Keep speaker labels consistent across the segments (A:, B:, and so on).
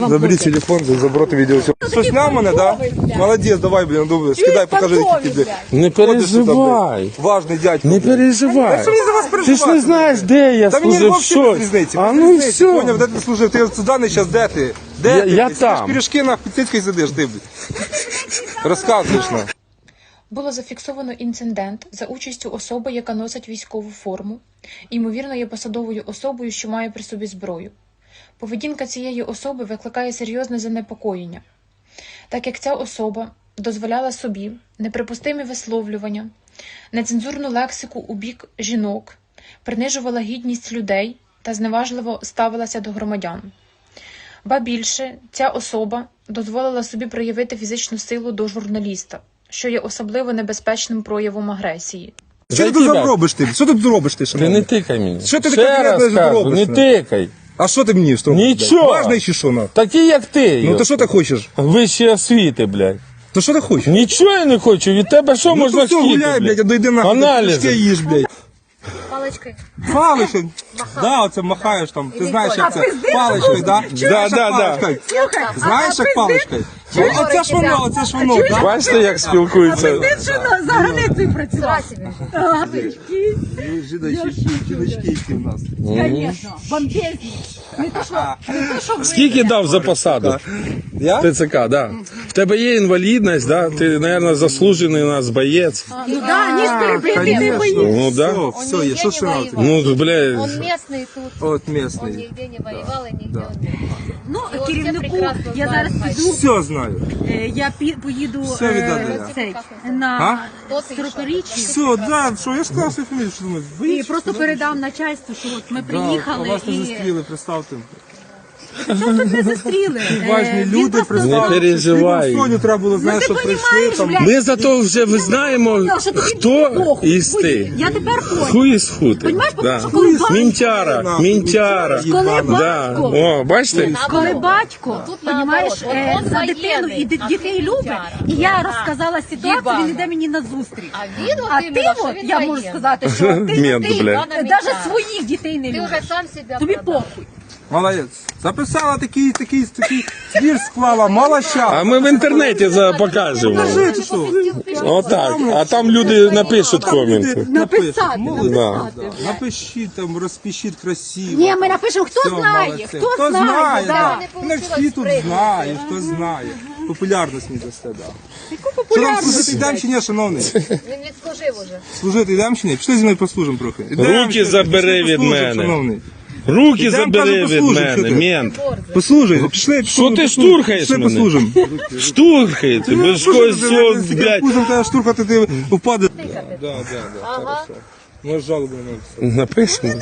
A: Забери телефон, заброти відео. Що, сняв мене, да? Молодець, давай, блін, добре, скидай, покажи, які ти, блін.
B: Не переживай.
A: Важний дядько.
B: Не переживай.
A: Що мені за вас переживати?
B: Ти ж не знаєш, де я
A: Та мені
B: служив,
A: взагалі без
B: що.
A: різниці.
B: А ну і все.
A: Поняв, де ти служив? Ти сюди зараз, де ти? Де ти?
B: Я
A: Ти
B: там.
A: сидиш пиріжки на Піцицькій сидиш, ти, блін. Розказуєш нам.
C: Було зафіксовано інцидент за участю особи, яка носить військову форму, ймовірно, є посадовою особою, що має при собі зброю. Поведінка цієї особи викликає серйозне занепокоєння, так як ця особа дозволяла собі неприпустимі висловлювання, нецензурну лексику у бік жінок, принижувала гідність людей та зневажливо ставилася до громадян. Ба більше, ця особа дозволила собі проявити фізичну силу до журналіста, що є особливо небезпечним проявом агресії.
A: Що ти тут робиш ти? Що ти тут робиш ти,
B: Ти
A: шановний?
B: не тикай мені.
A: Що ти
B: Ще
A: таке
B: раз
A: робиш?
B: кажу, не тикай.
A: А що ти мені встромиш?
B: Нічого.
A: Важний чи що, на?
B: Такий, як ти.
A: Ну то що ти хочеш?
B: Вищі освіти, блядь.
A: То що ти хочеш?
B: Нічого я не хочу. Від тебе що
A: Ну
B: можна
A: то все,
B: хотіти,
A: гуляй, блядь, а дойди нахуй.
B: Аналізи.
A: Пиріжки їж, блядь.
D: Паличкою.
A: Паличкою. Да, оце махаєш там. Ти знаєш, як це? Паличкою, да? Знаєш, як паличкою? Знаєш, як паличкою? Оце ж воно, да?
B: Бачите, як спілкуються?
E: За границею працював.
A: Жіночки, які в нас.
E: Звісно, бомбезні. Не то, що ви.
B: Скільки дав за посаду?
A: Я?
B: ТЦК, да. В тебе є інвалідність, да? Ти, мабуть, заслужений у нас боєць.
E: Ну да, ніж перебити не боїться.
B: Ну, да.
A: Все, є, що ще надо?
B: Ну, блядь.
D: Он местный тут.
A: От
D: Он
A: місний.
D: нигде не воевал и нигде он не был.
E: Ну,
D: І от
E: керівнику,
D: все прекрасно
E: я
D: знають,
E: зараз
D: Хай.
E: піду,
A: Все знаю.
E: я поїду
A: Все віддали.
E: цей,
A: А?
E: на
D: Хто ти і що?
E: 40-річчя.
A: Все, да, що, я сказав свою фамілію, що думаєш?
E: І просто передам начальству, що от ми приїхали
A: Вас не
E: і...
A: застріли, представте.
E: Що тут не застріли?
A: Важні
E: Він
A: люди,
E: просто-
B: Не переживай.
A: Сьогодні треба було, знаєш,
E: ти
A: що прийшли
E: понімаєш,
A: там.
E: блядь?
B: Ми зато вже знаємо,
E: Що тобі
B: хто
E: похуй.
B: із ти.
E: Я тепер понял.
B: Ху із хути.
E: Понімаєш,
B: Да.
E: тому що коли батько-
B: Мінтяра, мінтяра.
E: Коли
B: Да.
E: батько,
B: О, бачите?
E: коли батько,
D: Тут
E: понімаєш,
D: наоборот. От он
E: за дитину і
D: воєнний, а
E: дітей
D: ти
E: любить,
D: Мінтяра.
E: і я розказала ситуацію,
D: Їбана.
E: він іде мені на зустріч.
D: А він от
E: А
D: іменно,
E: ти,
D: що
E: от,
D: він
E: я можу
D: воєнний.
E: сказати, що
B: Мент,
E: ти
B: блядь.
E: навіть своїх дітей не
D: Ти
E: любиш.
D: вже сам себе
E: Тобі
D: продав.
E: похуй.
A: Молодець. Записала такий твір склала, мало ща.
B: А ми в інтернеті покажемо.
A: Скажи, ти що?
B: Отак. А там люди напишуть коменти.
E: Написати,
A: Молодець.
E: написати.
A: Да. Напишіть там, розпишіть красиво.
E: Ні, ми напишемо, хто
A: Все,
E: знає,
A: молодці.
E: хто знає, да.
A: да.
D: Не
A: Ну,
D: получилось
A: всі тут
D: спригнути.
A: знають, хто знає. Популярність не дасте, да.
E: Яку
A: Що нам
E: популярність?
A: служити йдемо чи ні, шановний?
D: Він відслужив уже.
A: Служити йдемо чи ні? Пішли зі мною послужимо трохи. Ідемо,
B: Руки
A: пішли,
B: забери
A: пішли
B: від
A: послужимо,
B: мене.
A: шановний.
B: Руки
A: Ідемо,
B: забери
A: кажу,
B: від
A: послужимо,
B: мене,
A: що ти?
B: мент.
A: Послужай, пішли.
B: Що ти штурхаєш
A: Пішли
B: мене?
A: послужимо.
B: Штурхаєте, ви ж когось цього, блядь,
A: Пузом тебе штурхати, ти впаде. Да,
D: Ага.
A: Може жалобу написати.
B: напишемо.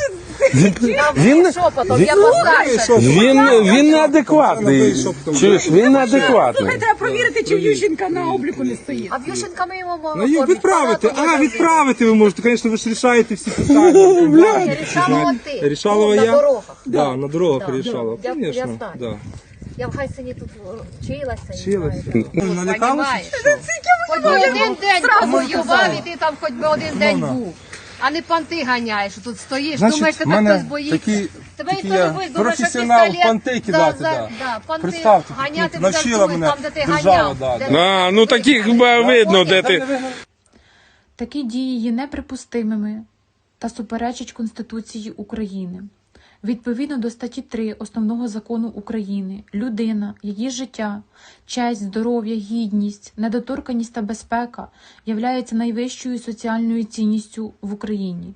D: Він шепотом, я постарше.
B: Він неадекватний. Чуєш, він неадекватний.
E: Слухай, треба провірити, чи в Ющенка на обліку не стоїть.
D: А в Ющенка ми йому
A: Ну їх відправити. Відправити ви можете. Звісно, ви ж рішаєте всі питання.
D: Рішала ти.
A: Рішалова
D: На
A: я?
D: дорогах.
A: Да, на дорогах
D: Да.
A: рішала.
D: Я
A: Звісно,
D: знаю.
A: да.
D: Я в Гайсині тут вчилася. і
A: Вчилася.
D: знаю.
A: Налякалася?
D: Понімаєш? Хоч би один день повоював, і ти там хоч би один день був. А не панти ганяєш, тут стоїш, думаєш,
A: Значить, в
D: тебе
A: мене
D: хтось боїться.
A: такий
D: Тебе ніхто
A: я
D: не боїться, думаєш, що
A: професіонал
D: пістолет
A: панти кидати, да.
D: панти
A: Представте,
D: ганяти
A: тут
D: тебе
A: навчила
D: завжди
A: мене
D: там, де ти
A: держава,
D: ганяв.
A: да,
D: де
A: да.
B: А, ну таких видно, де ти.
C: Такі дії є неприпустимими та суперечать Конституції України. Відповідно до статті 3 Основного закону України, людина, її життя, честь, здоров'я, гідність, недоторканність та безпека являються найвищою соціальною цінністю в Україні.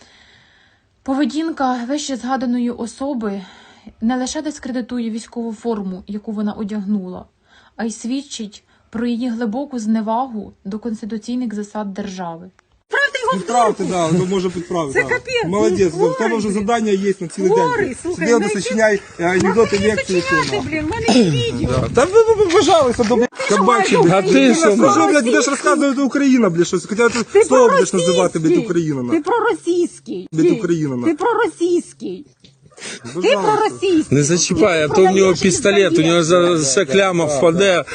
C: Поведінка вище згаданої особи не лише дискредитує військову форму, яку вона одягнула, а й свідчить про її глибоку зневагу до конституційних засад держави.
A: Відправте, да, ну може підправити.
E: Це
A: да.
E: капець,
A: Молодець,
E: ну,
A: в тебе вже завдання є на цілий
E: Хворий,
A: день.
E: слухай,
A: Сидів,
E: ну,
A: сочиняй анекдоти, лекції.
E: Ти, блін, в мене є відео.
A: Та ви вважалися до кабачі,
B: А
A: блядь.
B: ти що,
A: Що, блядь, будеш розказувати Україна, блядь, щось. Хоча ти
E: Ти
A: слово будеш називати, блядь, Україна.
E: Ти
A: нахуй.
E: проросійський.
A: Від Україна,
E: Ти проросійський. Ти
A: Пожалуйста.
E: проросійський.
B: Не зачіпай, а то в нього пістолет, у нього за кляма впаде.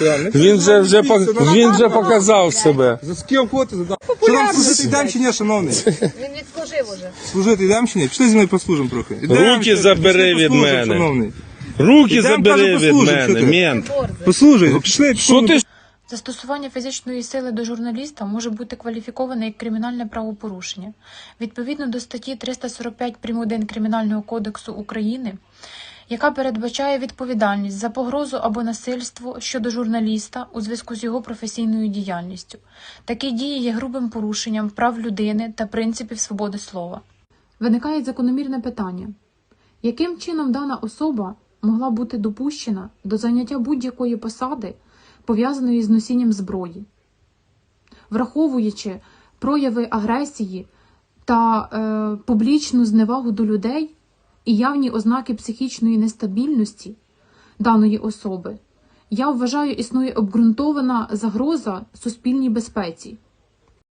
B: Він вже показав себе.
A: За ким фото задав? Що нам служити йдемо чи ні, шановний?
D: Він відслужив уже.
A: Служити йдемо чи ні? Пішли зі мною послужимо трохи. Ідемо,
B: Руки
A: пішли,
B: забери
A: пішли
B: від
A: послужимо,
B: мене.
A: шановний.
B: Руки
A: Ідем,
B: забери
A: кажу,
B: від
A: послужимо,
B: мене,
A: що ти?
B: мент.
A: Послухай, пішли.
B: Що ти
C: Застосування фізичної сили до журналіста може бути кваліфіковане як кримінальне правопорушення. Відповідно до статті 345 прим.1 Кримінального кодексу України, яка передбачає відповідальність за погрозу або насильство щодо журналіста у зв'язку з його професійною діяльністю. Такі дії є грубим порушенням прав людини та принципів свободи слова. Виникає закономірне питання. Яким чином дана особа могла бути допущена до заняття будь-якої посади, пов'язаної з носінням зброї? Враховуючи прояви агресії та публічну зневагу до людей і явні ознаки психічної нестабільності даної особи, я вважаю, існує обґрунтована загроза суспільній безпеці.